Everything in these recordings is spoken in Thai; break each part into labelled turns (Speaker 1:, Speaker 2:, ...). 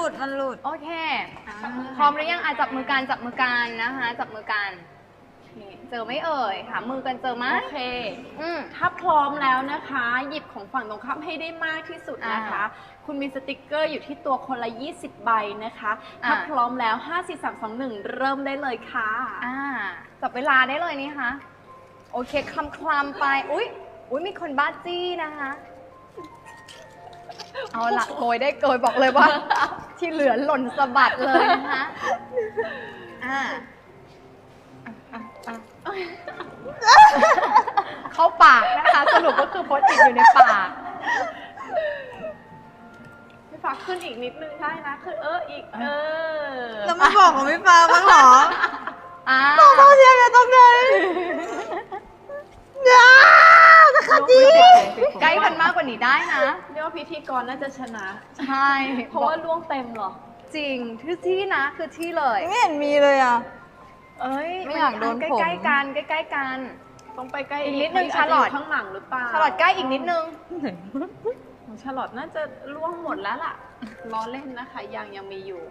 Speaker 1: ลุดมันหลุด
Speaker 2: โอเค พร้อมหรือยังจับมือกันนะคะ จับมือกัน เจอไหม่เอ่ยหามือกันเจอไหม
Speaker 3: โอเค ถ้าพร้อมแล้วนะคะ หยิบของฝั่งตรงข้ามให้ได้มากที่สุดนะคะ คุณมีสติกเกอร์อยู่ที่ตัวคนละ20 ใบนะคะ ถ้าพร้อมแล้ว 5 4 3 2 1 เริ่มได้เลยค่ะ
Speaker 2: จับเวลาได้เลยนี่คะโอเคคลำไปอุ๊ยมีคนบ้าจี้นะคะ เอาละโกยได้โกยบอกเลยว่า ที่เหลือหล่นสะบัดเลยนะคะเข้าปากนะคะ สรุปก็คือโพสต์ติดอยู่ในปาก
Speaker 3: พี่ฟ้าขึ้นอีกนิดนึงได้นะขึ้นอีก
Speaker 1: แล้วไม่บอกของพี่ฟ้าบ้างเหรอ
Speaker 2: ต้อง
Speaker 1: เชียร์ตรงไหนจะขัดจี
Speaker 2: ใกล้กันมากกว่านี้ได้นะ
Speaker 3: เรียกว่าพิธีกรน่าจะชนะ
Speaker 2: ใช่
Speaker 3: เพราะว่าล่วงเต็มเหรอ
Speaker 2: จริงที่นะคือที่เลย
Speaker 1: ไม่เห็นมีเลยอ่ะ ไม่อยากโดนผม
Speaker 2: ใกล้ๆกันใกล้ๆกัน
Speaker 3: ต้องไปใกล้
Speaker 2: อีกนิดนึง
Speaker 3: อาจจะ
Speaker 2: ชาลอต
Speaker 3: ยู่ข้างหลังหรือเปล่า
Speaker 2: สลัดใกล้อีกนิดนึง
Speaker 3: ของชาลอตน่าจะล่วงหมดแล้วล่ะล้อเล่นนะคะยังมีอยู่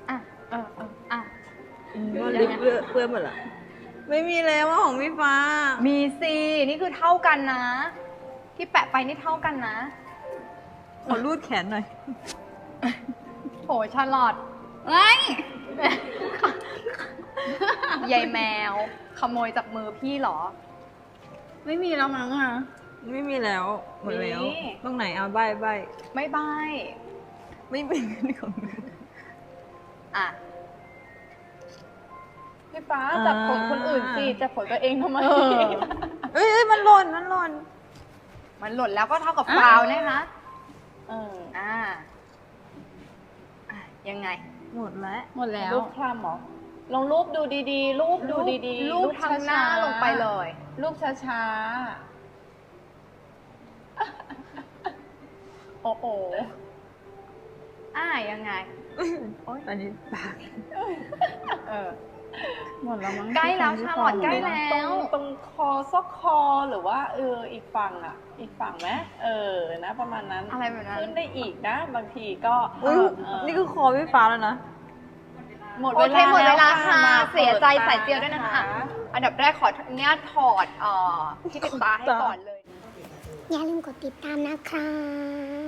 Speaker 1: มันลิปเปื้อนหมดละไม่มีแล้วว่าของพี่ฟ้า
Speaker 2: มีสินี่คือเท่ากันนะ ที่แปะไปนี่เท่ากันนะ
Speaker 1: ขอรูดแขนหน่อย
Speaker 2: โหชาลอตยายแมว ขโมยจากมือพี่เหรอ
Speaker 3: ไม่มีแล้วมั้งอ่ะ
Speaker 1: ไม่มีแล้วหมดแล้ว
Speaker 3: มี
Speaker 1: ตรงไหนเอาใบ
Speaker 2: ไม่บาย
Speaker 1: ไม่เป็นของหนู
Speaker 3: พี่ฟ้าจับผลคนอื่นสิจับผลตัวเองทำไม
Speaker 1: เอ้ยมันหล่น
Speaker 2: มันหล่นแล้วก็เท่ากับฟาวล์นะคะยังไง
Speaker 1: หมดแล้ว
Speaker 3: หมดแล้วรูปคลำเหรอลองรูปดูดีๆรูปดูดีๆ
Speaker 2: รูปทางหน้าลงไปเลย
Speaker 3: รูปช้าๆโอ้โห
Speaker 2: ยังไง
Speaker 1: อันนี้ปาก
Speaker 3: หมดแล้วมั้ง
Speaker 2: ใกล้แล้วชาลอตใกล้แล้ว
Speaker 3: ตรงคอซอกคอหรือว่าอีกฝั่งไหมนะประมาณนั้น
Speaker 2: อะไรแบบนั้น
Speaker 3: ขึ้นได้อีกนะบางทีก็
Speaker 1: นี่คือคอพี่ฟ้าแล้วนะ
Speaker 3: หมด
Speaker 2: โอ
Speaker 3: เว
Speaker 2: เค
Speaker 3: ลา
Speaker 2: หมดเวลา
Speaker 3: แ
Speaker 2: ค่ะ
Speaker 3: มา
Speaker 2: เสียใจ
Speaker 3: ปิด
Speaker 2: สายเจียวด้วยนะคะ อันดับแรกขออนุญาตถอดที่ปิดตาให้ก่อนเลย
Speaker 4: อย่าลืมกดติดตามนะคะ